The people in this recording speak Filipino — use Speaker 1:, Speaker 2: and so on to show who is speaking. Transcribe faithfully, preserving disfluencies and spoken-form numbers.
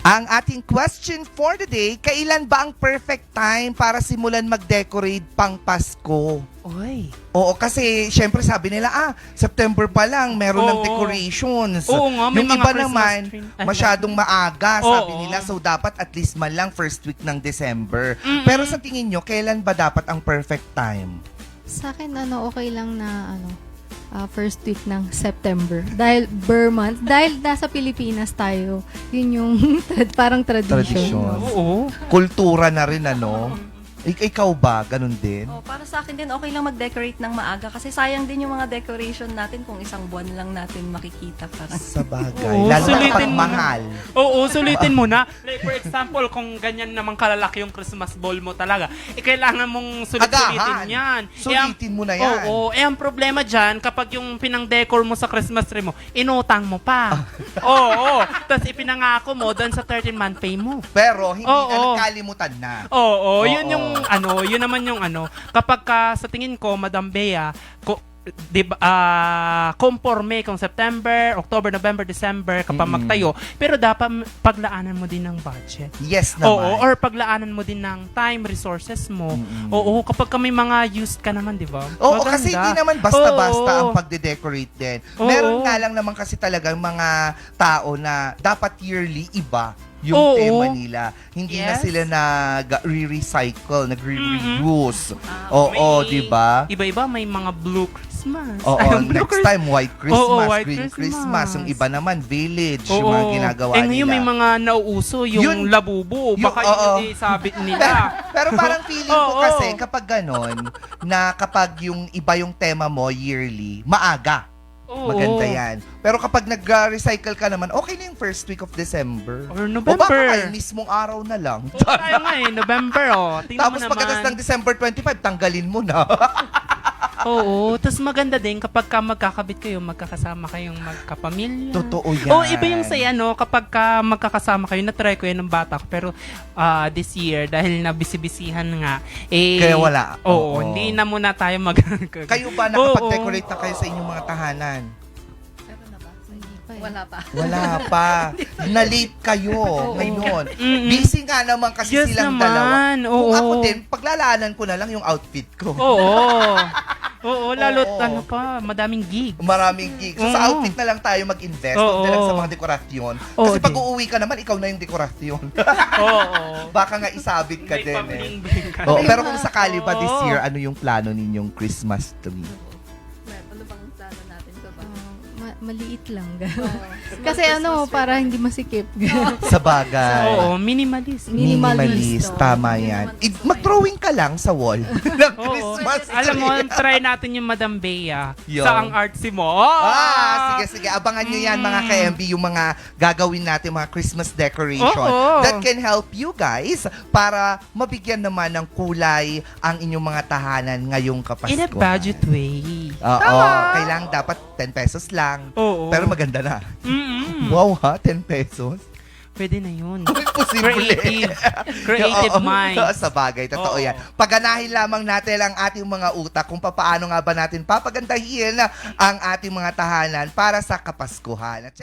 Speaker 1: Ang ating question for the day, kailan ba ang perfect time para simulan mag-decorate pang Pasko?
Speaker 2: Oy.
Speaker 1: Oo, kasi syempre sabi nila, ah, September pa lang, meron ng
Speaker 2: Oo.
Speaker 1: decorations.
Speaker 2: Oo nga, may
Speaker 1: Yung
Speaker 2: mga
Speaker 1: iba
Speaker 2: Christmas
Speaker 1: naman,
Speaker 2: tree. Ay,
Speaker 1: masyadong maaga, sabi
Speaker 2: Oo.
Speaker 1: nila. So, dapat at least man lang first week ng December.
Speaker 2: Mm-mm.
Speaker 1: Pero sa tingin nyo, kailan ba dapat ang perfect time?
Speaker 3: Sa akin, ano, okay lang na, ano, ah, first week ng September. Dahil Burr month. Dahil nasa Pilipinas tayo, yun yung trad- parang tradition.
Speaker 1: Tradition.
Speaker 2: Oo.
Speaker 1: Kultura na rin, ano? Ik- ikaw ba? Ganun din?
Speaker 4: Oh, para sa akin din, okay lang mag-decorate ng maaga kasi sayang din yung mga decoration natin kung isang buwan lang natin makikita. Parang.
Speaker 1: Sa bagay.
Speaker 2: Oo,
Speaker 1: Lalo na
Speaker 2: sulitin
Speaker 1: kapag
Speaker 2: mo na.
Speaker 1: mahal.
Speaker 2: Oo, sulitin mo na. Like for example, kung ganyan naman kalalaki yung Christmas ball mo talaga, eh kailangan mong sulit-sulitin
Speaker 1: Agahan.
Speaker 2: yan.
Speaker 1: Sulitin mo na yan.
Speaker 2: Oo, eh ang problema dyan, kapag yung pinang-decor mo sa Christmas tree mo, inutang mo pa. Oo, tapos ipinangako mo doon sa thirteen-month pay mo.
Speaker 1: Pero hindi
Speaker 2: Oo.
Speaker 1: na nakalimutan na.
Speaker 2: Oo, yun
Speaker 1: Oo.
Speaker 2: yung ano, yun naman yung ano, kapag ka, sa tingin ko, Madam Bea, ko, di ba, ah, conforme kung September, October, November, December kapag
Speaker 1: Mm.
Speaker 2: magtayo, pero dapat paglaanan mo din ng budget.
Speaker 1: Yes naman.
Speaker 2: Oo, or paglaanan mo din ng time, resources mo.
Speaker 1: Mm-mm.
Speaker 2: Oo, kapag kami mga used ka naman, di ba?
Speaker 1: Oo,
Speaker 2: Maganda.
Speaker 1: kasi hindi naman basta-basta
Speaker 2: Oo.
Speaker 1: ang pagde-decorate din.
Speaker 2: Oo.
Speaker 1: Meron nga lang naman kasi talagang mga tao na dapat yearly iba yung
Speaker 2: Oo.
Speaker 1: tema nila. Hindi na
Speaker 2: Yes.
Speaker 1: sila nag-re-recycle, nagre-reuse.
Speaker 4: Ah,
Speaker 1: Oo,
Speaker 2: May-
Speaker 1: di ba?
Speaker 2: Iba-iba, may mga blue Christmas.
Speaker 1: Oo,
Speaker 2: Ay, blue
Speaker 1: next time white Christmas,
Speaker 2: Oo, white
Speaker 1: green Christmas.
Speaker 2: Christmas.
Speaker 1: Yung iba naman village,
Speaker 2: Oo.
Speaker 1: yung mga ginagawa
Speaker 2: eh, ngayon
Speaker 1: nila.
Speaker 2: may mga nauuso, yung
Speaker 1: Yun-
Speaker 2: labubo.
Speaker 1: yung-
Speaker 2: Baka
Speaker 1: oo.
Speaker 2: yun yung sabit nila.
Speaker 1: Pero parang feeling ko
Speaker 2: Oo.
Speaker 1: kasi kapag ganon, na kapag yung iba yung tema mo yearly, maaga.
Speaker 2: Oo.
Speaker 1: Maganda yan. Pero kapag nag-recycle ka naman, okay na yung first week of December.
Speaker 2: Or
Speaker 1: O baka
Speaker 2: November.
Speaker 1: kayo mismong araw na lang.
Speaker 2: Oo, tayo nga eh, November oh. Tingnan
Speaker 1: Tapos
Speaker 2: mo naman.
Speaker 1: pagkatas ng December twenty-five, tanggalin mo na.
Speaker 2: Oo, tapos maganda din kapag ka magkakabit kayo, magkakasama kayong magkapamilya.
Speaker 1: Totoo yan.
Speaker 2: Oo, iba yung saya, no? Kapag ka magkakasama kayo, na-try ko yan ng bata ko. Pero ah, this year, dahil nabisi-bisihan nga, eh...
Speaker 1: Kaya wala. Oo.
Speaker 2: Oo, hindi na muna tayo mag...
Speaker 1: Kayo ba
Speaker 2: Oo.
Speaker 1: nakapag-decorate na kayo sa inyong mga tahanan?
Speaker 4: Meron na ba?
Speaker 3: Hindi pa eh.
Speaker 4: Wala pa.
Speaker 1: Wala pa. Na-late kayo ngayon.
Speaker 2: Mm-mm.
Speaker 1: Busy nga naman kasi
Speaker 2: Yes
Speaker 1: silang
Speaker 2: naman.
Speaker 1: dalawa. Kung
Speaker 2: Oo.
Speaker 1: ako din, paglalaanan ko na lang yung outfit ko.
Speaker 2: Oo. Oo, lalo
Speaker 1: Oo.
Speaker 2: ano pa, madaming gig.
Speaker 1: Maraming gigs. So, sa
Speaker 2: Oo.
Speaker 1: outfit na lang tayo mag-invest.
Speaker 2: Oo.
Speaker 1: Huwag na lang sa mga dekorasyon.
Speaker 2: Oo,
Speaker 1: Kasi pag
Speaker 2: din.
Speaker 1: uuwi ka naman, ikaw na yung dekorasyon.
Speaker 2: Oo.
Speaker 1: Baka nga isabit ka
Speaker 2: May
Speaker 1: din eh.
Speaker 2: pabling-bling ka.
Speaker 1: Oo, pero kung sakali ba this
Speaker 2: Oo.
Speaker 1: year, ano yung plano ninyong Christmas tree?
Speaker 4: Ano bang plano natin ko ba?
Speaker 3: Ah, ma- maliit lang.
Speaker 4: Oh,
Speaker 3: Kasi ano, para hindi masikip.
Speaker 1: Sa bagay.
Speaker 2: Oo, minimalist.
Speaker 3: Minimalist.
Speaker 1: Tama yan. I- mag-drawing ka lang sa wall ng
Speaker 2: Oo.
Speaker 1: Christmas tree.
Speaker 2: Alam mo, try natin yung Madam Bea
Speaker 1: Yo.
Speaker 2: sa ang artsy mo. Oh!
Speaker 1: Ah, sige, sige. Abangan nyo yan, mga
Speaker 2: Mm.
Speaker 1: ka-M B, yung mga gagawin natin, mga Christmas decoration
Speaker 2: Oo.
Speaker 1: that can help you guys para mabigyan naman ng kulay ang inyong mga tahanan ngayong Kapaskuhan.
Speaker 2: In a budget way.
Speaker 1: Oo, kailangan dapat ten pesos lang.
Speaker 2: Oo.
Speaker 1: Pero maganda na.
Speaker 2: Mm-mm.
Speaker 1: Wow ha, ten pesos?
Speaker 2: Pwede na yun.
Speaker 1: Imposible.
Speaker 2: Creative. Creative
Speaker 1: Oo,
Speaker 2: mind.
Speaker 1: Sa bagay, totoo
Speaker 2: Oo.
Speaker 1: yan. Paganahin lamang natin ang ating mga utak kung paano nga ba natin papagandahin ang ating mga tahanan para sa Kapaskuhan. At